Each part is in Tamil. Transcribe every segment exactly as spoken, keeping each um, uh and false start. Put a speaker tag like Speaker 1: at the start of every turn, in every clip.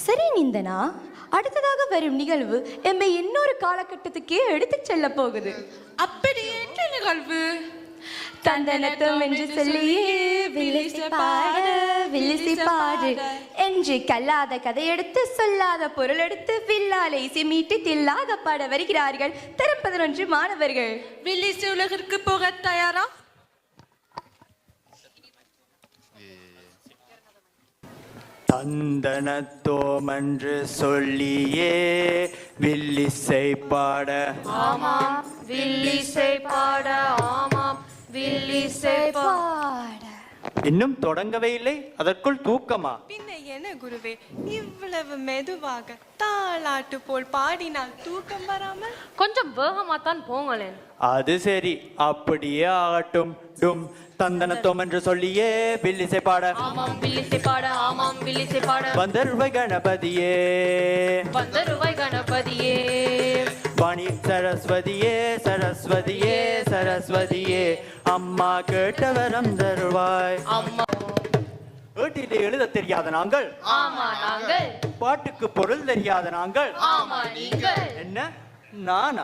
Speaker 1: சரி நிந்தனா, அடுத்ததாக வரும் நிகழ்வு எம்மை இன்னொரு காலகட்டத்துக்கே எடுத்து செல்ல போகுது.
Speaker 2: அப்படி என்ன நிகழ்வு?
Speaker 1: தந்தனத்தம் என்று சொல்லியே வில்லிசை பாட வில்லிசை பாடு என்று கல்லாத கதையெடுத்து சொல்லாத பொருள் எடுத்து வில்லாலை மீட்டி தில்லாக பாட வருகிறார்கள் தரம் பதினொன்று மாணவர்கள்.
Speaker 2: வில்லிசை உலகிற்கு போக தயாரா?
Speaker 3: தந்தனத்தோம் என்று சொல்லியே வில்லிசை பாட.
Speaker 4: ஆமாம் வில்லிசை பாட. ஆமாம் வில்லிசை பாட.
Speaker 3: இன்னும் தொடங்கவே இல்லை, அதற்குள் தூக்கமா?
Speaker 2: பின்ன என்ன குருவே, இவ்வளவு மெதுவாக தாளாட்டு போல் பாடினால் தூக்கம் வராமல்?
Speaker 4: கொஞ்சம் வேகமா தான் போங்களேன்.
Speaker 3: அது சரி, அப்படியே ஆகட்டும். டும் தந்தனத்தோம் என்று சொல்லியே வில்லிசை பாட.
Speaker 4: ஆமாம் வில்லிசை பாட. ஆமாம் வில்லிசை பாட.
Speaker 3: வந்தருவை கணபதியே
Speaker 4: வந்தருவை கணபதியே
Speaker 3: வாணி சரஸ்வதியே சரஸ்வதியே சரஸ்வதியே அம்மா கேட்டவரம் தருவாய்.
Speaker 4: அம்மா
Speaker 3: வீட்டிலே எழுத தெரியாத நாங்கள்.
Speaker 4: ஆமா நாங்கள்.
Speaker 3: பாட்டுக்கு பொருள் தெரியாத நாங்கள்.
Speaker 4: ஆமா நீங்கள்.
Speaker 3: என்ன நானா?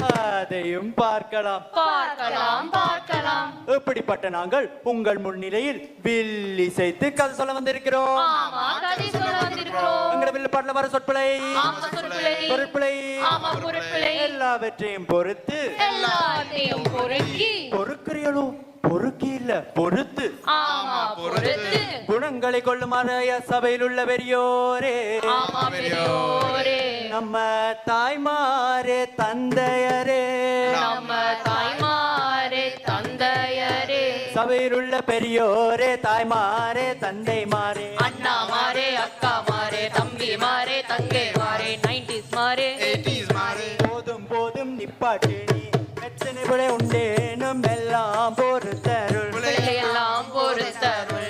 Speaker 3: அதையும் பார்க்கலாம்
Speaker 4: பார்க்கலாம் பார்க்கலாம்.
Speaker 3: எப்படிப்பட்ட நாங்கள் உங்கள் முன்னிலையில் வில்லிசைத்து கதை சொல்ல வந்திருக்கிறோம்.
Speaker 4: ஆமா கதை சொல்ல வந்திருக்கிறோம்.
Speaker 3: எங்கட வில்லு பாட்டுல வர சொற்பிழை
Speaker 4: ஆமா சொற்பிழை
Speaker 3: பொருட்பிழை
Speaker 4: ஆமா பொருட்பிழை
Speaker 3: எல்லாவற்றையும் பொறுத்து
Speaker 4: எல்லாத்தையும் பொறுக்கி
Speaker 3: பொறுக்கிறீங்களோ? பொறுக்கி இல்ல பொறுத்து.
Speaker 4: ஆமா பொறுத்து
Speaker 3: குணங்களை கொள்ளுமாறு சபையில் உள்ள பெரியோரே
Speaker 4: ஆமா பெரியோரே
Speaker 3: நம்ம தாய்மாரே தந்தையரே
Speaker 4: நம்ம தாய்மாரே தந்தையரே
Speaker 3: சபையில் உள்ள பெரியோரே தாய்மாரே தந்தைமாரே
Speaker 4: அண்ணா மாரே அக்கா மாரே தம்பி மாரே தங்கை மாரே நைன்டிஸ் மாரே
Speaker 5: எயிட்டிஸ் மாரே
Speaker 3: போதும் போதும் நிப்பாட்டு நீ எத்தனை பிழை உண்டேனும் எல்லாம் பொறுத்தருள்
Speaker 4: எல்லாம் பொறுத்தருள்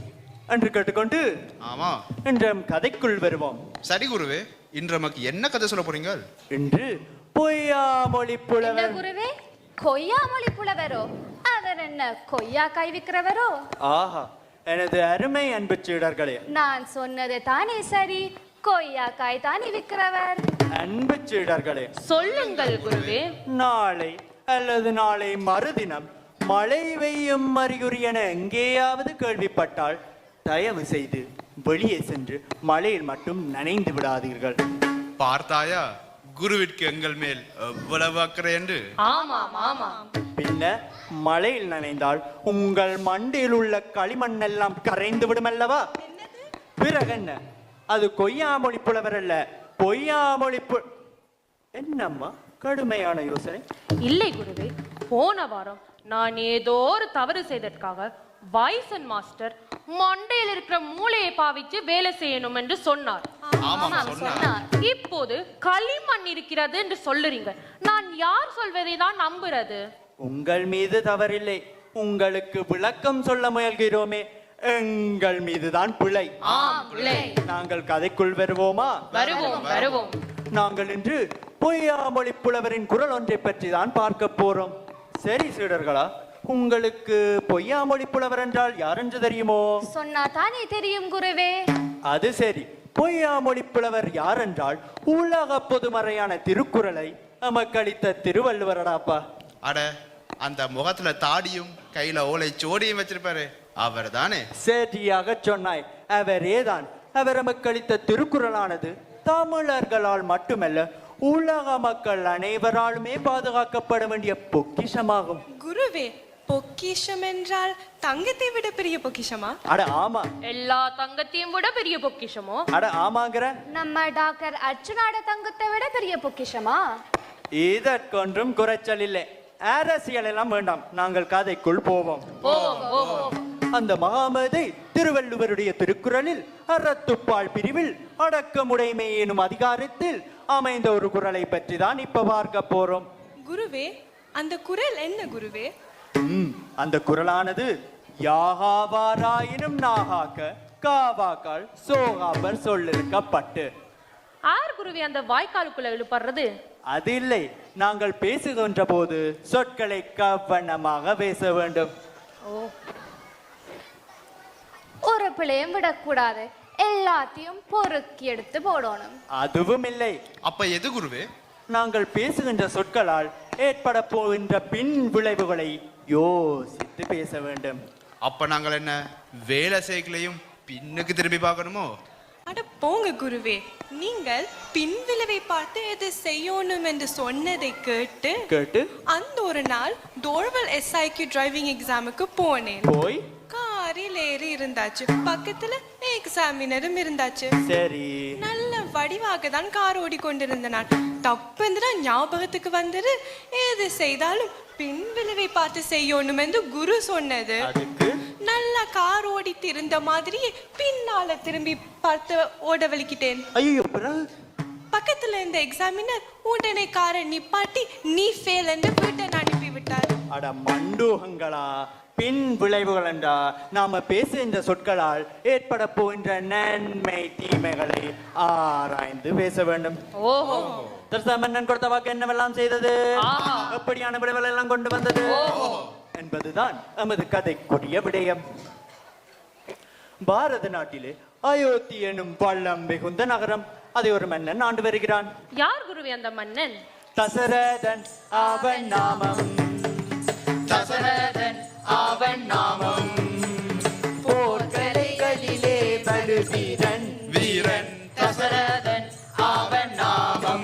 Speaker 3: என்று கேட்டுக்கொண்டு
Speaker 5: ஆமா
Speaker 3: இன்று கதைக்குள் வருவோம்.
Speaker 5: சரி குருவே, இன்று நமக்கு என்ன கதை சொல்ல போறீங்க?
Speaker 3: இன்று பொய்யாமொழி புலவர்.
Speaker 6: குருவே, கொய்யாமொழி புலவரோ? அவர் என்ன கொய்யா காய் விற்கிறவரோ?
Speaker 3: ஆஹா, எனது அருமை அன்பு சீடர்களே,
Speaker 6: நான் சொன்னது தானே சரி, கொய்யா காய் தானே விற்கிறவர்.
Speaker 3: அன்பு சீடர்களே,
Speaker 4: சொல்லுங்கள் குருவே.
Speaker 3: நாளை அல்லது நாளை மறுதினம் மழை பெய்யும் அறிகுறி என எங்கேயாவது கேள்விப்பட்டால் தயவு செய்து வெளியே சென்று மழையில் மட்டும் நனைந்து விடாதீர்கள்.
Speaker 5: பார்த்தாயா குருவிற்கு எங்கள் மேல் எவ்வளவு அக்கறை என்று?
Speaker 4: ஆமாம் ஆமாம்.
Speaker 3: பின்ன மழையில் நனைந்தால் உங்கள் மண்டையில் உள்ள களிமண் எல்லாம் கரைந்து விடும் அல்லவா? பிறகு என்ன, அது கொய்யாமொழி புலவர் அல்ல, பொய்யாமொழி பு என்னம்மா கடுமையான யோசனை.
Speaker 4: இல்லை குருவே, போன வாரம் நான் ஏதோ ஒரு தவறு செய்ததற்காக வைசன் மாஸ்டர் மண்டையில் இருக்கிற மூளையை பாவிச்சு வேலை செய்யணும் என்று சொன்னார்.
Speaker 6: சொன்னார்.
Speaker 4: இப்போது களிமண் இருக்கிறது என்று சொல்லுறீங்க. நான் யார் சொல்வதை தான் நம்புறது?
Speaker 3: உங்கள் மீது தவறில்லை, உங்களுக்கு விளக்கம் சொல்ல முயல்கிறோமே, எங்கள் மீதுதான் பிழை. நாங்கள் கதைக்குள் வருவோமா?
Speaker 4: வருவோம் வருவோம்.
Speaker 3: நாங்கள் இன்று பொய்யாமொழி புலவரின் குரல் ஒன்றை பற்றி தான் பார்க்க போறோம். சரி சீடர்களா, உங்களுக்கு பொய்யாமொழி புலவர் என்றால் யார் என்று தெரியுமோ?
Speaker 6: சொன்னா தானே தெரியும் குருவே.
Speaker 3: அது சரி, பொய்யாமொழி புலவர் யார் என்றால் உலக பொதுமறையான திருக்குறளை நமக்களித்த திருவள்ளுவரடாப்பா.
Speaker 5: அட, அந்த முகத்துல தாடியும் கையில ஓலை சோடியும் வச்சிருப்பாரு அவர் தானே?
Speaker 3: சரியாக சொன்னாய், அவரேதான். அவர் நமக்களித்த திருக்குறளானது தமிழர்களால் மட்டுமல்ல உலக மக்கள் அனைவராலுமே பாதுகாக்கப்பட வேண்டிய பொக்கிஷமாகும்.
Speaker 2: குருவே, பொக்கிஷம் என்றால் தங்கத்தை விட பெரிய பொக்கிஷமா?
Speaker 3: அட ஆமா.
Speaker 4: எல்லா தங்கத்தையும் விட பெரிய பொக்கிஷமோ?
Speaker 3: அட ஆமாங்கிற.
Speaker 6: நம்ம டாக்டர் அர்ச்சுனாட தங்கத்தை விட பெரிய பொக்கிஷமா?
Speaker 3: இதற்கொன்றும் குறைச்சல் இல்லை. அரசியல் எல்லாம் வேண்டாம், நாங்கள் கதைக்குள் போவோம். அந்த மகாமதை திருவள்ளுவருடைய திருக்குறளில் அறத்துப்பால் பிரிவில் அடக்கமுடைமை எனும் அதிகாரத்தில் அமைந்த ஒரு குறளை பற்றி தான் இப்ப பார்க்க போறோம்.
Speaker 2: குருவே, அந்த குறள் என்ன குருவே?
Speaker 3: ம் அந்த குறளானது யாகாவாராயினும் நாகாக்க காவாக்கால் சோகாபர் சொல்லிருக்கப்பட்டு.
Speaker 4: ஆர் குருவி அந்த வாய்க்காலுக்குள்ள இழுப்படுறது?
Speaker 3: அது இல்லை, நாங்கள் பேசுகின்ற போது சொற்களை கவனமாக பேச வேண்டும்.
Speaker 6: ஒரு பிள்ளையும் விடக்கூடாது. எல்லாத்தையும் பொறுக்கி எடுத்து போடணும்.
Speaker 3: அதுவும் இல்லை.
Speaker 5: அப்ப எது குருவே?
Speaker 3: நாங்கள் பேசுகின்ற சொற்களால் ஏற்பட போகின்ற பின் விளைவுகளை யோசித்து பேச வேண்டும்.
Speaker 5: அப்ப நாங்கள் என்ன வேலை செய்களையும் பின்னுக்கு திரும்பி பார்க்கணுமோ?
Speaker 2: அட போங்க குருவே, நீங்கள் பின்விளைவை பார்த்து எது செய்யணும் என்று சொன்னதை கேட்டு
Speaker 3: கேட்டு
Speaker 2: அந்த ஒரு நாள் தோழ்வல் எஸ்ஐக்கு டிரைவிங் எக்ஸாமுக்கு போனேன்.
Speaker 3: போய்
Speaker 2: காரில் ஏறி இருந்தாச்சு, பக்கத்துல எக்ஸாமினரும் இருந்தாச்சு.
Speaker 3: சரி,
Speaker 2: நல்ல வடிவாக தான் கார் ஓடிக்கொண்டிருந்த நான் தப்புன்னு ஞாபகத்துக்கு வந்தது, எது செய்தாலும் பின் விளைவை பார்த்து செய்யணும் என்று குரு சொன்னது.
Speaker 3: அதுக்கு
Speaker 2: நல்லா கார் ஓடி திருந்த மாதிரியே பின்னால திரும்பி பார்த்து ஓட வலிக்கிட்டேன்.
Speaker 3: ஐயோ, பிறகு
Speaker 2: பக்கத்துல இருந்த எக்ஸாமினர் உடனே காரை நிப்பாட்டி நீ ஃபெயில் என்று வீட்டை அனுப்பி விட்டார்.
Speaker 3: அட மண்டூகங்களா, பின் விளைவுகள் என்றா நாம பேசுகின்ற சொற்களால் ஏற்பட போகின்ற நன்மை தீமைகளை ஆராய்ந்து பேச வேண்டும்.
Speaker 4: ஓஹோ.
Speaker 3: தர்சமன்னன் கொடுத்த வாக்கு என்னவெல்லாம் செய்தது,
Speaker 4: ஆஹா.
Speaker 3: எப்படியான விளைவுகள் எல்லாம் கொண்டு வந்தது என்பதுதான் நமது கதைக்குரிய விடயம். பாரத நாட்டிலே அயோத்தி எனும் பள்ளம் மிகுந்த நகரம், அதை ஒரு மன்னன் ஆண்டு வருகிறான்.
Speaker 4: யார் குருவே அந்த மன்னன்?
Speaker 3: தசரதன் அவன் நாமம், தசரதன் அவன் நாமம், போர்க்கலைகளிலே படுவீரன்
Speaker 5: வீரன்
Speaker 3: தசரதன் அவன் நாமம்.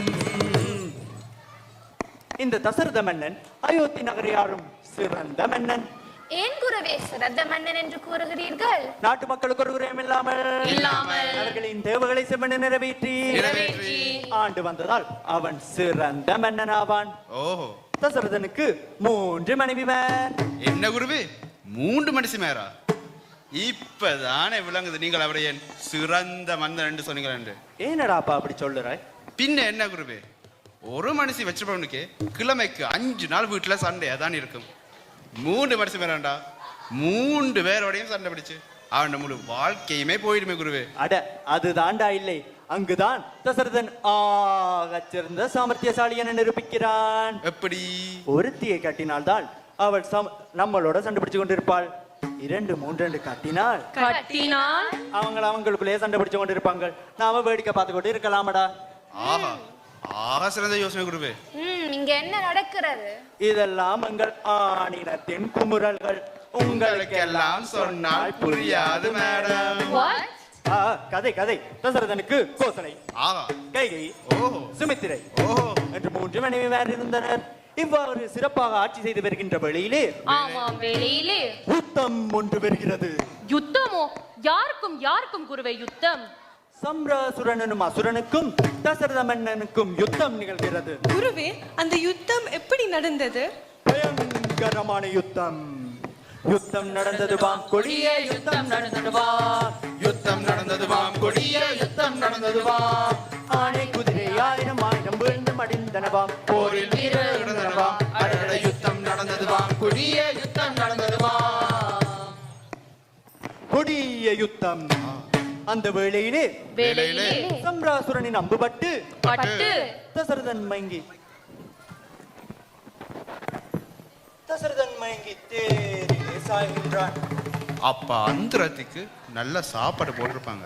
Speaker 3: இந்த தசரத மன்னன் அயோத்தி நகரியாரும் சிறந்த மன்னன்.
Speaker 6: ஏன் குருவே சிறந்த மன்னன் என்று கூறுகிறீர்கள்?
Speaker 3: நாட்டு மக்களுக்கு ஒரு குறையும் இல்லாமல்
Speaker 4: இல்லாமல்
Speaker 3: அவர்களின் தேவைகளை செம்மன நிறைவேற்றி
Speaker 5: நிறைவேற்றி
Speaker 3: ஆண்டு வந்ததால் அவன் சிறந்த மன்னன் ஆவான்.
Speaker 5: ஓஹோ.
Speaker 3: தசரதனுக்கு மூன்று மனைவிமார்.
Speaker 5: என்ன குருவே, மூன்று மனுஷி மேரா? இப்பதானே விளங்குது நீங்கள் அவரை என் சிறந்த மன்னன் என்று சொன்னீங்கள் என்று.
Speaker 3: ஏனடாப்பா அப்படி சொல்லுறாய்?
Speaker 5: பின்ன என்ன குருவே, ஒரு மனுஷி வச்சிருப்பவனுக்கு கிழமைக்கு அஞ்சு நாள் வீட்டுல சண்டையா தான் இருக்கும். மூன்று மனுஷி மேராண்டா, மூன்று பேரோடையும் சண்டை பிடிச்சு அவன் முழு வாழ்க்கையுமே போயிடுமே குருவே.
Speaker 3: அட அது தாண்டா இல்லை, அங்குதான் தசரதன் ஆகச் சிறந்த சாமர்த்தியசாலி என நிரூபிக்கிறான்.
Speaker 5: எப்படி?
Speaker 3: ஒருத்தியை கட்டினால்தான் அவள் சம- நம்மளோட சண்டை பிடிச்சு கொண்டிருப்பாள். இரண்டு மூன்று கட்டினால்
Speaker 4: கட்டினால்
Speaker 3: அவங்க அவங்களுக்குள்ளேயே சண்டை பிடிச்சு கொண்டு இருப்பாங்க. நாம வேடிக்கை பார்த்து கொண்டு இருக்கலாமடா.
Speaker 5: ஆஹா, ஆக சிறந்த யோசனை குருவே.
Speaker 6: ம், இங்க என்ன நடக்கிறது?
Speaker 3: இதெல்லாம் எங்கள் ஆணினத்தின் குமுறல்கள்.
Speaker 5: உங்களுக்கெல்லாம் சொன்னால் புரியாது மேடம்.
Speaker 6: What?
Speaker 3: ஆ, கதை கதை. தசரதனுக்கு கோசலை,
Speaker 5: ஆஹா,
Speaker 3: கைகை,
Speaker 5: ஓஹோ,
Speaker 3: சுமித்திரை
Speaker 5: ஓஹோ.
Speaker 3: என்று மூன்று மனைவிமார் இருந்தனர். இவ்வாறு சிறப்பாக ஆட்சி செய்து வருகின்ற வேளையிலே
Speaker 4: ஆமாம், வேளையிலே
Speaker 3: யுத்தம் ஒன்று வருகிறது.
Speaker 4: யுத்தமோ? யாருக்கும் யாருக்கும் குருவே யுத்தம்?
Speaker 3: சம்ராசுரனும் அசுரனுக்கும் தசரத மன்னனுக்கும் யுத்தம் நிகழ்கிறது.
Speaker 2: குருவே, அந்த யுத்தம் எப்படி நடந்தது?
Speaker 3: பயங்கரமான யுத்தம். யுத்தம் நடந்தது வாம் கொடிய யுத்தம் நடந்தது வாம்,
Speaker 5: யுத்தம் நடந்தது வாம் கொடிய யுத்தம் நடந்தது வாம்.
Speaker 3: ஆனை குதிரை ஆயிரம் ஆயிரம் வீழ்ந்து மடிந்தனவாம்,
Speaker 5: போரில் வீரர் நடந்தனவாம். அடட யுத்தம் நடந்தது வாம் கொடிய யுத்தம் நடந்தது வாம்.
Speaker 3: கொடிய யுத்தம். அந்த வேளையிலே
Speaker 4: வேளையிலே
Speaker 3: சம்ராசுரனின் அம்புபட்டு
Speaker 4: பட்டு
Speaker 3: தசரதன் மயங்கி தசரதன் மயங்கி தேரிலே சாய்கின்றான்.
Speaker 5: அப்ப அந்தரத்துக்கு நல்ல சாப்பாடு போட்டிருப்பாங்க.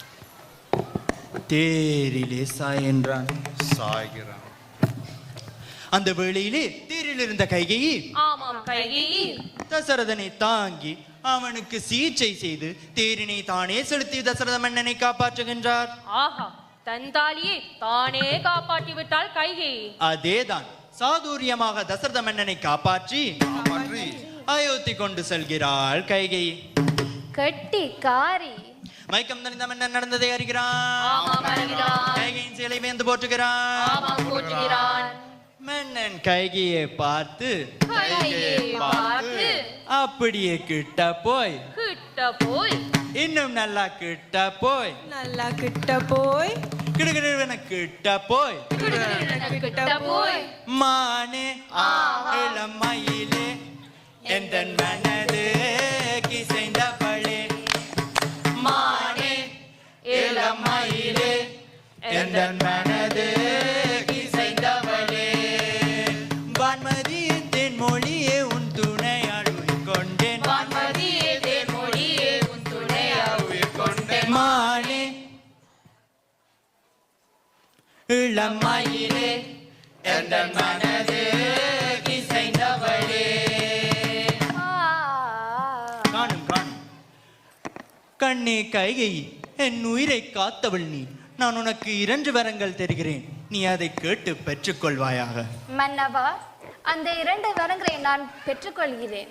Speaker 3: தேரிலே சாயென்றான்.
Speaker 5: சாய்கிறான்.
Speaker 3: அந்த வேளையிலே தேரில் இருந்த கைகையை
Speaker 4: ஆமாம், கைகேயி
Speaker 3: தசரதனை தாங்கி அவனுக்கு சிகிச்சை செய்து தேரினை தானே செலுத்தி தசரத மன்னனை காப்பாற்றுகின்றார்.
Speaker 4: ஆஹா, தன் தாலியை தானே காப்பாற்றி விட்டாள் கைகேயி.
Speaker 3: அதேதான், சாதுரியமாக தசரத மன்னனை காப்பாற்றி
Speaker 5: காப்பாற்றி
Speaker 3: அயோத்தி கொண்டு செல்கிறாள் கைகை.
Speaker 6: கட்டி காரி.
Speaker 3: மயக்கம் தணிந்த மன்னன் நடந்ததை அறிகிறான்.
Speaker 4: ஆமாம், அறிகிறான்.
Speaker 3: கைகையின் சேலை வேந்து போற்றுகிறான்.
Speaker 4: ஆமாம், போற்றுகிறான்.
Speaker 3: மன்னன் கைகையை பார்த்து
Speaker 4: கைகேயை பார்த்து
Speaker 3: அப்படியே கிட்ட போய்
Speaker 4: கிட்ட போய்
Speaker 3: இன்னும் நல்லா கிட்ட போய்
Speaker 2: நல்லா கிட்ட போய்
Speaker 3: கிடுகிடுவென கிட்ட போய்
Speaker 4: கிட்ட போய்
Speaker 3: மானே இளம் மயிலே எந்தன் மனது கிசைந்தவளே, மானே இளம் மயிலே எந்தன் மனது கிசைந்தவளே, வான்மதியே தென்மொழியே உன் துணையாள் கொண்டேன்,
Speaker 4: வான்மதியே தேன்மொழியே உன் துணையாய்
Speaker 3: மா இளமயிலே எந்தன் மனது இசைந்தவளே.
Speaker 6: ஆ,
Speaker 3: காணும் காணும். கண்ணே கைகை, என் உயிரை காத்தவள் நீ. நான் உனக்கு இரண்டு வரங்கள் தருகிறேன், நீ அதை கேட்டு பெற்றுக்கொள்வாயாக.
Speaker 6: மன்னவா, அந்த இரண்டு வரங்களை நான் பெற்றுக்கொள்கிறேன்.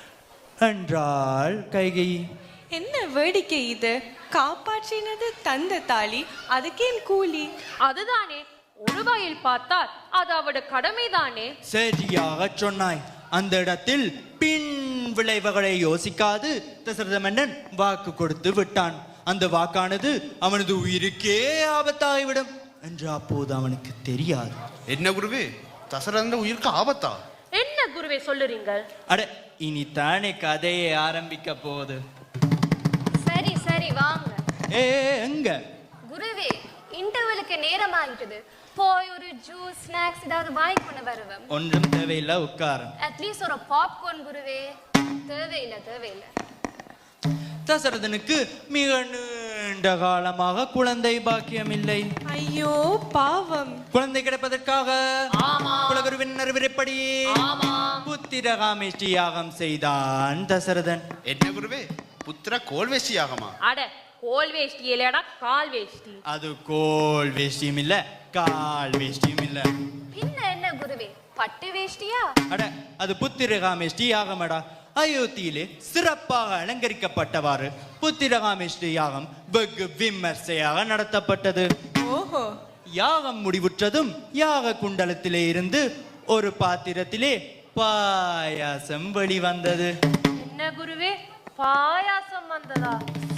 Speaker 3: என்றால் கைகை,
Speaker 2: என்ன வேடிக்கை இது? காப்பாற்றினது தந்த தாலி, அதுக்கேன் கூலி?
Speaker 4: அதுதானே, ஒரு வகையில் பார்த்தால் அது அவட கடமைதானே.
Speaker 3: சரியாக சொன்னாய். அந்த இடத்தில் பின் விளைவுகளை யோசிக்காது தசரத மன்னன் வாக்கு கொடுத்து விட்டான். அந்த வாக்கானது அவனது உயிருக்கே ஆபத்தாகிவிடும் என்று அப்போது அவனுக்கு தெரியாது.
Speaker 5: என்ன குருவே, தசரதன் உயிருக்கு ஆபத்தா?
Speaker 4: என்ன குருவே சொல்லுறீங்க?
Speaker 3: அட, இனி தானே கதையை ஆரம்பிக்க போகுது.
Speaker 6: சரி சரி வாங்க.
Speaker 3: ஏ எங்க?
Speaker 6: குருவே, இன்டர்வலுக்கு நேரம் ஆகிட்டது. போய் ஒரு ஜூஸ் ஸ்நாக்ஸ் ஏதாவது வாங்கி கொண்டு வருவேன்.
Speaker 3: ஒன்றும் தேவையில்லை, உட்காரம்.
Speaker 6: அட்லீஸ்ட் ஒரு பாப்கார்ன் குருவே. தேவையில்லை தேவையில்லை.
Speaker 3: தசரதனுக்கு மிக நீண்ட காலமாக குழந்தை பாக்கியம் இல்லை.
Speaker 2: ஐயோ பாவம்.
Speaker 3: குழந்தை கிடைப்பதற்காக குலகுருவின் அறிவுரைப்படி புத்திரகாமேஷ்டி யாகம் செய்தான் தசரதன்.
Speaker 5: என்ன குருவே, புத்திர கோல்வேஷ்டி யாகமா?
Speaker 4: அட, கோல் வேஷ்டி இல்லடா, கால் வேஷ்டி.
Speaker 3: அது கோல் வேஷ்டியும் இல்ல, கால் வேஷ்டியும் இல்ல.
Speaker 6: பின்ன என்ன குருவே, பட்டு வேஷ்டியா?
Speaker 3: அட, அது புத்திரகாமேஷ்டி யாகமடா. அயோத்தியிலே சிறப்பாக அலங்கரிக்கப்பட்டவாறு புத்திரகாமேஷ்டி யாகம் வெகு விமர்சையாக நடத்தப்பட்டது.
Speaker 2: ஓஹோ.
Speaker 3: யாகம் முடிவுற்றதும் யாக குண்டலத்திலே இருந்து ஒரு பாத்திரத்திலே பாயாசம் வெளிவந்தது.
Speaker 4: என்ன குருவே, பாயாசம் வந்ததா?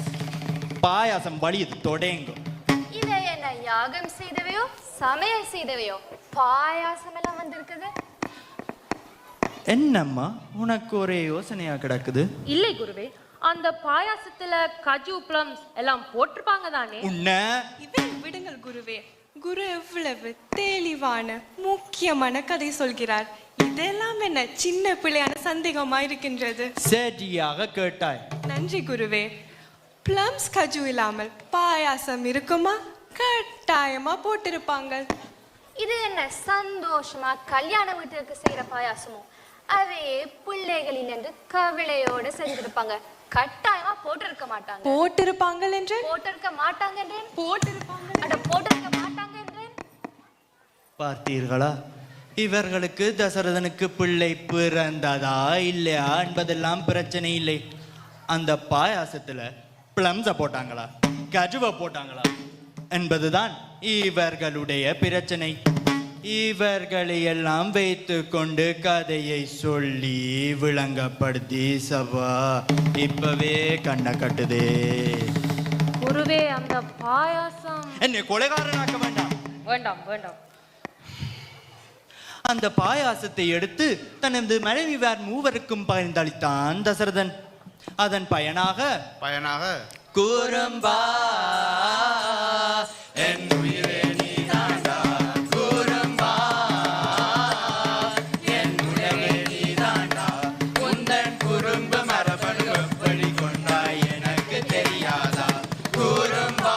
Speaker 3: பாயாசம் வழியது தொடங்கும்.
Speaker 6: இதை என்ன யாகம் செய்தவையோ சமையல் செய்தவையோ பாயாசம் எல்லாம் வந்திருக்குது?
Speaker 3: என்னம்மா உனக்கு ஒரே யோசனையா கிடக்குது?
Speaker 4: இல்லை குருவே, அந்த பாயாசத்துல கஜு பிளம்ஸ் எல்லாம் போட்டிருப்பாங்க தானே.
Speaker 3: உன்ன
Speaker 2: இதை விடுங்கள் குருவே. குரு எவ்வளவு தெளிவான முக்கியமான கதை சொல்கிறார். இதெல்லாம் என்ன சின்ன பிள்ளையான சந்தேகமா இருக்கின்றது?
Speaker 3: சரியாக கேட்டாய்.
Speaker 2: நன்றி குருவே. பிளம்ஸ் கஜு இல்லாமல் பாயாசம் இருக்குமா? கட்டாயமா போட்டிருப்பாங்க.
Speaker 6: இது என்ன சந்தோஷமா கல்யாண வீட்டிற்கு செய்யற பாயாசமோ? அதே பிள்ளைகளில் என்று கவிளையோட செஞ்சிருப்பாங்க. கட்டாயமா போட்டிருக்க மாட்டாங்க.
Speaker 2: போட்டிருப்பாங்க என்று
Speaker 6: போட்டிருக்க மாட்டாங்க என்றேன்.
Speaker 2: போட்டிருப்பாங்க.
Speaker 6: அட போட்டிருக்க மாட்டாங்க என்றேன்.
Speaker 3: பார்த்தீர்களா, இவர்களுக்கு தசரதனுக்கு பிள்ளை பிறந்ததா இல்லையா என்பதெல்லாம் பிரச்சனை இல்லை. அந்த பாயாசத்துல பிளம்ஸ போட்டாங்களா கஜுவை போட்டாங்களா என்பதுதான் இவர்களுடைய பிரச்சனை. இவர்களை எல்லாம் வைத்து கொண்டு கதையை சொல்லி விளங்கப்படுத்தி சபா இப்பவே கண்ண கட்டுதே.
Speaker 4: குருவே, அந்த பாயாசம்
Speaker 3: என்னை கொலைகாரனாக்க வேண்டாம்.
Speaker 4: வேண்டாம் வேண்டாம்.
Speaker 3: அந்த பாயாசத்தை எடுத்து தனது மனைவியார் மூவருக்கும் பகிர்ந்தளித்தான் தசரதன். அதன் பயனாக
Speaker 5: பயனாக
Speaker 3: கூறும்பா என் உயிரே நீதாண்டா, கூறும்பா என் உலகே நீதாண்டா, உந்தன் குறும்பு மரபணு எப்படி கொண்டாய் எனக்கு தெரியாதா, கூறும்பா.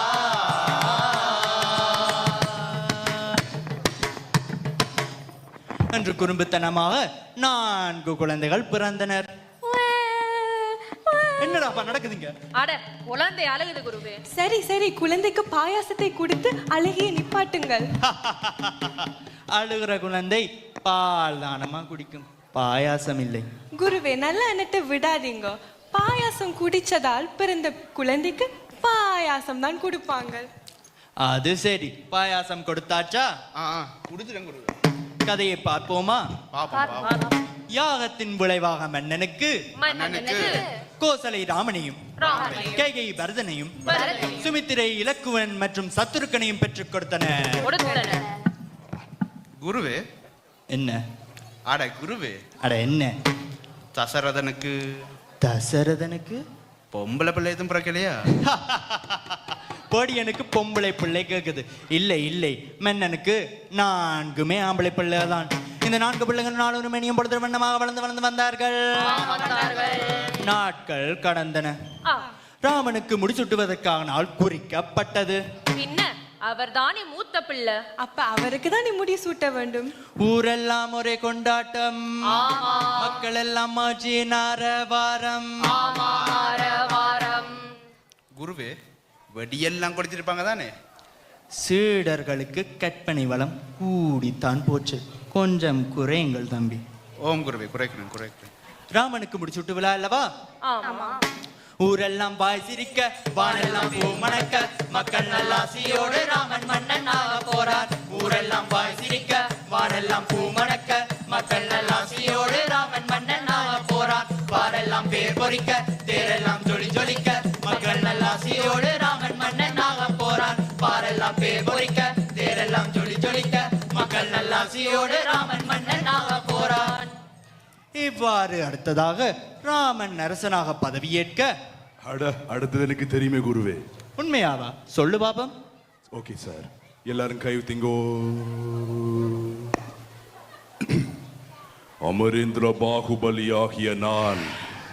Speaker 3: என்று குறும்புத்தனமாக நான்கு குழந்தைகள் பிறந்தனர். என்னடாப்பா நடக்குதுங்க?
Speaker 4: அட, குழந்தை அழுகுது குருவே.
Speaker 2: சரி சரி, குழந்தைக்கு பாயாசத்தை கொடுத்து அழகிய நிப்பாட்டுங்கள்.
Speaker 3: அழுகிற குழந்தை பால் தானமா குடிக்கும், பாயாசம் இல்லை.
Speaker 2: குருவே, நல்ல எண்ணத்தை விடாதீங்க. பாயாசம் குடிச்சதால் பிறந்த குழந்தைக்கு பாயாசம் தான் கொடுப்பாங்க.
Speaker 3: அது சரி, பாயாசம் கொடுத்தாச்சா?
Speaker 5: ஆ ஆ, குடுத்துறேன் குருவே.
Speaker 3: கதையை பார்ப்போமா?
Speaker 5: பாப்போம் பாப்போம்.
Speaker 3: யாகத்தின் விளைவாக மன்னனுக்கு
Speaker 4: மன்னனுக்கு
Speaker 3: கோசலை ராமனையும்
Speaker 4: ராமனையும்
Speaker 3: கைகை பரதனையும்
Speaker 4: பரதனையும்
Speaker 3: சுமித்திரை இலக்குவன் மற்றும் சத்துருக்கனையும் பெற்றுக் கொடுத்தனர்.
Speaker 4: கொடுத்தனர்.
Speaker 5: குருவே,
Speaker 3: என்ன?
Speaker 5: அட குருவே,
Speaker 3: அட என்ன?
Speaker 5: தசரதனுக்கு
Speaker 3: தசரதனுக்கு
Speaker 5: பொம்பளை பிள்ளை எதுவும் பிறக்கலையா?
Speaker 3: பொடியனுக்கு பொம்பளை பிள்ளை கேக்குது. இல்லை இல்லை, மன்னனுக்கு நான்குமே ஆம்பளை பிள்ளை தான். இந்த நான்கு பிள்ளைகள் நாலு மணியும் பொழுது வண்ணமாக வளர்ந்து வளர்ந்து வந்தார்கள். நாட்கள் கடந்தன.
Speaker 4: ஆ,
Speaker 3: ராமனுக்கு முடிசூட்டுவதற்காக நாள் குறிக்கப்பட்டது.
Speaker 4: பின்ன அவர்தானே மூத்த பிள்ளை.
Speaker 2: அப்ப அவருக்கு தான் நீ முடி சூட்ட வேண்டும்.
Speaker 3: ஊரெல்லாம் ஒரே கொண்டாட்டம், மக்கள் எல்லாம் ஆட்சி நாரவாரம்.
Speaker 5: குருவே, வெடியெல்லாம் கொடுத்திருப்பாங்க தானே?
Speaker 3: சீடர்களுக்கு கற்பனை வளம் கூடித்தான் போச்சு. கொஞ்சம் குறையுங்கள் தம்பி.
Speaker 5: ஓம் குருவே, குறைக்கிறேன் குறைக்கிறேன்.
Speaker 3: ராமனுக்கு முடிச்சுட்டு விழா அல்லவா?
Speaker 4: ஆமா.
Speaker 3: ஊரெல்லாம் பாய் சிரிக்க, வானெல்லாம் பூ மணக்க, மக்கள் நல்லாசியோடு ராமன் மன்னனாக போறார். ஊரெல்லாம் பாய் சிரிக்க, வானெல்லாம் பூ மணக்க, மக்கள் நல்லாசியோடு ராமன் மன்னனாக போறார். பாரெல்லாம் பேர் பொறிக்க, தேரெல்லாம் ஜொலி ஜொலிக்க, மக்கள் நல்லாசியோடு ராமன் மன்னனாக போறார். பாரெல்லாம் பேர் பொறிக்க, தேரெல்லாம் ஜொலி ஜொலிக்க, மக்கள் நல்லாசியோடு ராமன் மன்னனாக போறார். இவ்வாறு அடுத்ததாக ராமன் அரசனாக பதவியேற்க.
Speaker 7: அட அடுத்தது எனக்கு தெரியுமே குருவே.
Speaker 3: உண்மையாவா? சொல்லு பாபம்.
Speaker 7: ஓகே சார், எல்லாரும் கை திங்கோ. அமரேந்திர பாகுபலி ஆகிய நான்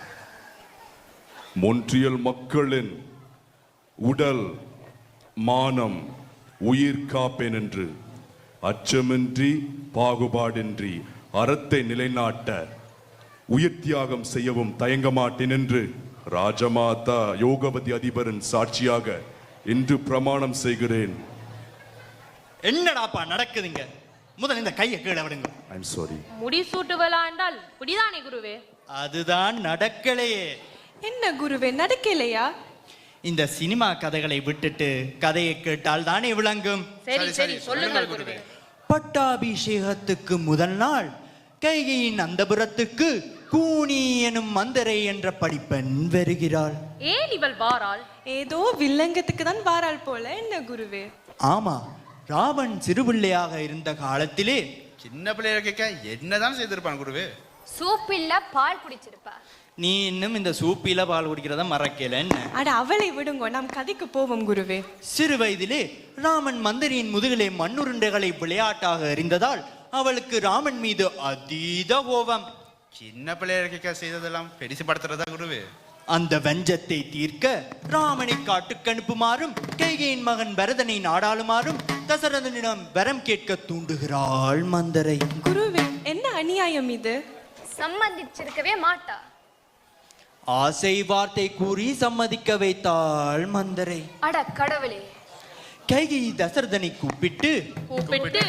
Speaker 7: மொன்றியல் மக்களின் உடல் மானம் உயிர் காப்பேன் என்று அச்சமின்றி பாகுபாடின்றி அறத்தை நிலைநாட்ட உயிர் தியாகம் செய்யவும் தயங்க மாட்டேன் என்று ராஜமாதா யோகவதி அதிபரின் சாட்சியாக இன்று பிரமாணம் செய்கிறேன்.
Speaker 3: என்னடாப்பா நடக்குதுங்க? முதல்ல இந்த கையை கீழே விடுங்க.
Speaker 7: I'm sorry.
Speaker 4: முடி சூட்டுவலா என்றால் புடிதானே குருவே?
Speaker 3: அதுதான் நடக்கலையே.
Speaker 2: என்ன குருவே, நடக்கலையா?
Speaker 3: இந்த சினிமா கதைகளை விட்டுட்டு கதையை கேட்டால் தானே விளங்கும்.
Speaker 4: சரி சரி சொல்லுங்கள் குருவே.
Speaker 3: பட்டாபிஷேகத்துக்கு முதல் நாள் கைகையின் அந்தபுரத்துக்கு கூனி எனும் மந்தரை என்ற படிப்பெண் வருகிறாள்.
Speaker 4: ஏன் இவள் வாராள்?
Speaker 2: ஏதோ வில்லங்கத்துக்கு தான் வாராள் போல. என்ன குருவே?
Speaker 3: ஆமா, ராவன் சிறுபிள்ளையாக இருந்த காலத்திலே
Speaker 5: சின்ன பிள்ளைய கேட்க என்னதான் செய்திருப்பான் குருவே?
Speaker 6: சூப்பில்ல பால் குடிச்சிருப்பா.
Speaker 3: நீ இன்னும் இந்த சூப்பில பால் குடிக்கிறத மறக்கல என்ன?
Speaker 2: அட அவளை விடுங்க, நாம் கதைக்கு போவோம் குருவே.
Speaker 3: சிறு வயதிலே ராமன் மந்தரியின் முதுகிலே மண்ணுருண்டைகளை விளையாட்டாக எறிந்ததால் அவளுக்கு ராமன் மீது அதீத கோபம்.
Speaker 5: சின்ன பிள்ளைய கேட்க செய்ததெல்லாம் பெருசு படுத்துறதா குருவே?
Speaker 3: அந்த வஞ்சத்தை தீர்க்க ராமனை காட்டுக்கு அனுப்புமாறும் கைகையின் மகன் பரதனை நாடாளுமாறும் தசரதனிடம் வரம் கேட்க தூண்டுகிறாள் மந்தரை.
Speaker 2: குருவே, என்ன அநியாயம் இது?
Speaker 6: சம்மதிச்சிருக்கவே மாட்டா.
Speaker 3: ஆசை வார்த்தை கூறி சம்மதிக்க வைத்தாள் மந்தரை.
Speaker 6: அட கடவுளே.
Speaker 3: கைகை தசரதனை கூப்பிட்டு
Speaker 4: கூப்பிட்டு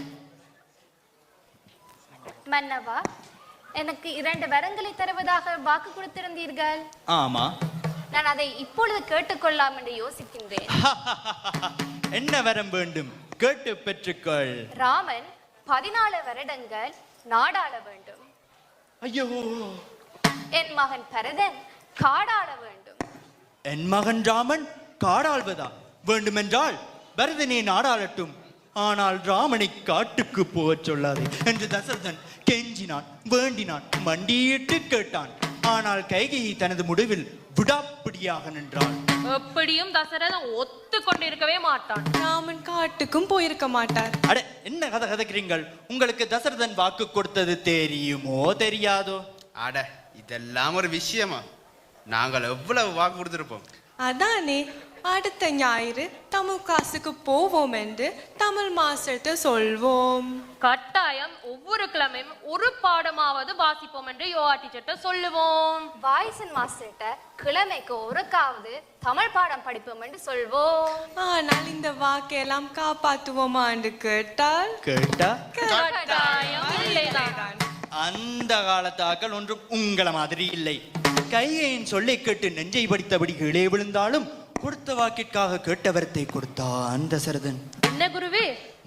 Speaker 6: மன்னவா, எனக்கு இரண்டு வரங்களை தருவதாக வாக்கு கொடுத்திருந்தீர்கள்.
Speaker 3: ஆமா,
Speaker 6: நான் அதை இப்பொழுது கேட்டுக்கொள்ளலாம் என்று யோசிக்கின்றேன்.
Speaker 3: என்ன வரம் வேண்டும்? கேட்டு பெற்றுக்கொள்.
Speaker 6: ராமன் பதினாலு வருடங்கள் நாடாள வேண்டும்.
Speaker 3: ஐயோ.
Speaker 6: என் மகன் பரதன் காடாள வேண்டும்.
Speaker 3: என் மகன் ராமன் காடாள்வதா? வேண்டுமென்றால் பரதனே நாடாளட்டும், ஆனால் ராமனை காட்டுக்கு போகச் சொல்லாதே என்று தசரதன் கெஞ்சினான், வேண்டினான், மண்டியிட்டு கேட்டான். ஆனால் கைகையை தனது முடிவில் விடாப்பிடியாக நின்றாள்.
Speaker 4: எப்படியும் தசரதன் ஒத்து கொண்டிருக்கவே மாட்டான்.
Speaker 2: ராமன் காட்டுக்கும் போயிருக்க மாட்டார்.
Speaker 3: அட, என்ன கதை கதைக்கிறீங்கள்? உங்களுக்கு தசரதன் வாக்கு கொடுத்தது தெரியுமோ தெரியாதோ?
Speaker 5: அட, இதெல்லாம் ஒரு விஷயமா? நாங்கள் எவ்வளவு வாக்கு கொடுத்திருப்போம்.
Speaker 2: அதானே, அடுத்த ஞாயிறு தமிழ் காசுக்கு போவோம் என்று தமிழ் மாஸ்டர்கிட்ட சொல்வோம்.
Speaker 4: கட்டாயம் ஒவ்வொரு கிழமையும் ஒரு பாடமாவது வாசிப்போம் என்று யோகா டீச்சர்ட்ட சொல்லுவோம்.
Speaker 6: வாய்சன் மாஸ்டர்கிட்ட கிழமைக்கு ஒருக்காவது தமிழ் பாடம் படிப்போம் என்று சொல்வோம்.
Speaker 2: ஆனால் இந்த வாக்கையெல்லாம் காப்பாத்துவோமா என்று கேட்டால்
Speaker 3: கேட்டா
Speaker 4: கட்டாயம் இல்லைதான்.
Speaker 3: அந்த காலத்தாக்கள் ஒன்றும் உங்களை மாதிரி இல்லை. கைகையின் சொல்லை கேட்டு நெஞ்சை படித்தபடி கீழே விழுந்தாலும் கொடுத்த வாக்கிற்காக கேட்டவரத்தை கொடுத்தான் தசரதன்.
Speaker 4: என்ன குருவே?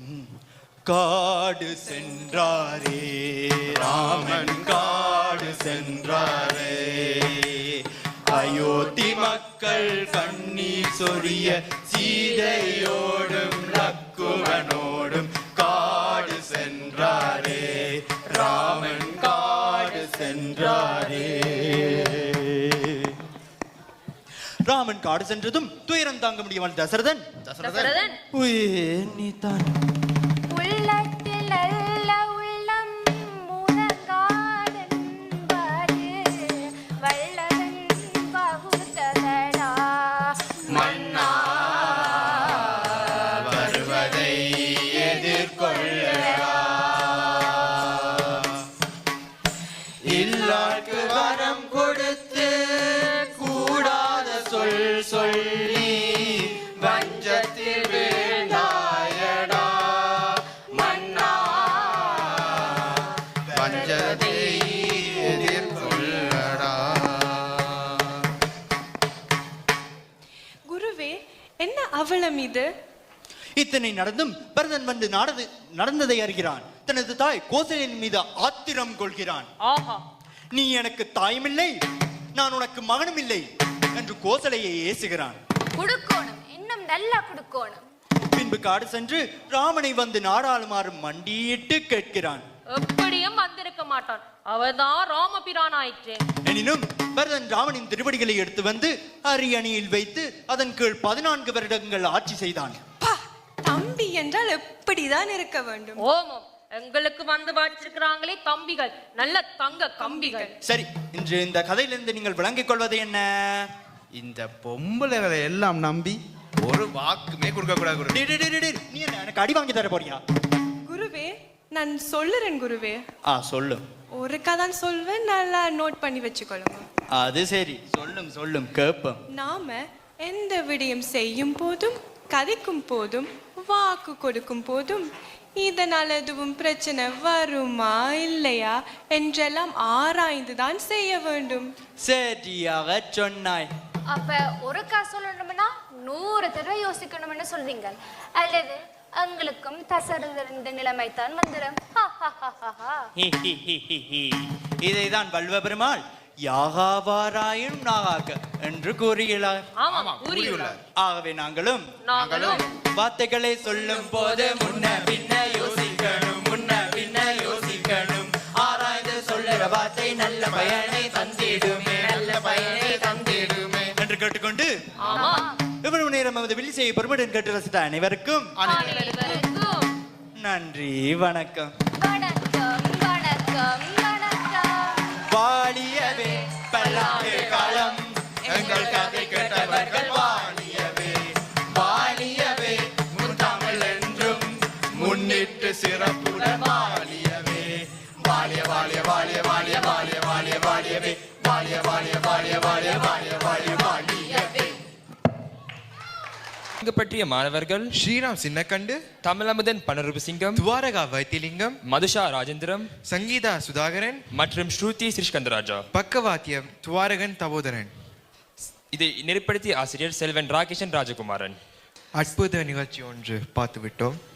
Speaker 3: காடு சென்றாரே ராமன், காடு சென்றாரே, அயோத்தி மக்கள் கண்ணீர் சொரிய சீதையோடும் லக்குவனோடும் காடு சென்றாரே ராமன், காடு சென்றாரே. ராமன் காடு சென்றதும் துயரம் தாங்க முடியாமல் தசரதன்
Speaker 4: தசரதன்
Speaker 3: நீ தான்
Speaker 6: உள்ளத்தில் நல்ல உள்ளம் முழங்காடென்பது வல்லவன் பகுத்ததடா மன்னா.
Speaker 2: என்ன அவலம் இது?
Speaker 3: இத்தனை நடந்தும் பரதன் வந்து நடந்து நடந்ததை அறிகிறான். தனது தாய் கோசலையின் மீது ஆத்திரம் கொள்கிறான்.
Speaker 4: ஆஹா,
Speaker 3: நீ எனக்கு தாயுமில்லை, நான் உனக்கு மகனும் இல்லை என்று கோசலையை ஏசுகிறான்.
Speaker 6: குடுக்கோணும், இன்னும் நல்லா குடுக்கோணும்.
Speaker 3: பின்பு காடு சென்று ராமனை வந்து நாடாளுமாறு மண்டியிட்டு கேட்கிறான்.
Speaker 4: எப்படியும் வந்திருக்க மாட்டான், அவர்தான் ராமபிரான் ஆயிற்றே.
Speaker 3: எனினும் பரதன் ராமனின் திருவடிகளை எடுத்து வந்து அரியணையில் வைத்து அதன் கீழ் பதினான்கு வருடங்கள் ஆட்சி செய்தான்.
Speaker 2: பா, தம்பி என்றால் எப்படிதான் இருக்க வேண்டும்?
Speaker 4: ஓமம், எங்களுக்கு வந்து வாச்சிருக்கிறாங்களே தம்பிகள், நல்ல தங்க கம்பிகள்.
Speaker 3: சரி, இன்று இந்த கதையிலிருந்து நீங்கள் விளங்கிக் கொள்வது என்ன?
Speaker 5: இந்த பொம்பளைகளை எல்லாம் நம்பி ஒரு வாக்குமே கொடுக்க கூடாது குருவே.
Speaker 3: டேய், டேய், டேய், டேய், நீ என்ன எனக்கு அடி வாங்கி தர போறியா?
Speaker 2: குருவே, நான் சொல்லுறேன் குருவே.
Speaker 3: ஆ, சொல்லு.
Speaker 2: ஒரு கதான் சொல்வேன், நல்லா நோட் பண்ணி வச்சுக்கொள்ளுங்க.
Speaker 3: அது சரி, சொல்லும் சொல்லும் கேப்பம்.
Speaker 2: நாம எந்த விடயம் செய்யும் போதும் கதைக்கும் போதும் வாக்கு கொடுக்கும் போதும் இதனால் எதுவும் பிரச்சனை வருமா இல்லையா என்றெல்லாம் ஆராய்ந்துதான் செய்ய வேண்டும்.
Speaker 3: சரியாக சொன்னாய்.
Speaker 6: அப்ப ஒருக்கா சொல்லணும்னா நூறு தடவை யோசிக்கணும்னு சொல்றீங்க, அல்லது எங்களுக்கும் தசரந்த நிலைமை தான் வந்துடும்.
Speaker 3: இதைதான் வல்வ பெருமாள் யாகாவாராயும் நாகாக்க என்று கூறுகிறார்.
Speaker 4: ஆமா, கூறியுள்ளார்.
Speaker 3: ஆகவே நாங்களும்
Speaker 4: நாங்களும்
Speaker 3: வார்த்தைகளை சொல்லும் போது முன்ன பின்ன யோசிக்கணும், முன்ன பின்ன யோசிக்கணும். ஆராய்ந்து சொல்லுற வார்த்தை நல்ல பயனை தந்திடுமே, நல்ல பயனை தந்திடுமே என்று கேட்டுக்கொண்டு
Speaker 4: ஆமா,
Speaker 3: இவ்வளவு நேரம் நமது வில்லிசையை பெருமையுடன் கேட்டு ரசித்த அனைவருக்கும்
Speaker 4: அனைவருக்கும்
Speaker 3: நன்றி, வணக்கம்.
Speaker 6: வணக்கம் வணக்கம் வணக்கம்.
Speaker 3: வாழியவே பல்லாண்டு காலம் எங்கள் கதை கேட்டவர்கள் வாழியவே, வாழியவே முத்தமிழ் என்றும் முன்னிட்டு சிறப்புடன் வாழியவே, வாழிய வாழிய வாழிய வாழிய வாழிய வாழிய வாழியவே, வாழிய வாழிய வாழிய வாழிய வாழிய வாழிய வாழியவே.
Speaker 8: இங்கு பற்றிய மாணவர்கள்
Speaker 9: ஸ்ரீராம் சின்னக்கண்டு,
Speaker 8: தமிழமுதன் பனரூப சிங்கம்,
Speaker 9: துவாரகா வைத்திலிங்கம்,
Speaker 8: மதுஷா ராஜேந்திரம்
Speaker 9: சங்கீதா சுதாகரன்,
Speaker 8: மற்றும் ஸ்ருதி ஸ்ரீஸ்கந்தராஜா.
Speaker 9: பக்கவாத்தியம் துவாரகன் தபோதரன்.
Speaker 8: இதை நெறிப்படுத்திய ஆசிரியர் செல்வன் ராகேஷன் ராஜகுமாரன்.
Speaker 9: அற்புத நிகழ்ச்சி ஒன்று பார்த்து விட்டோம்.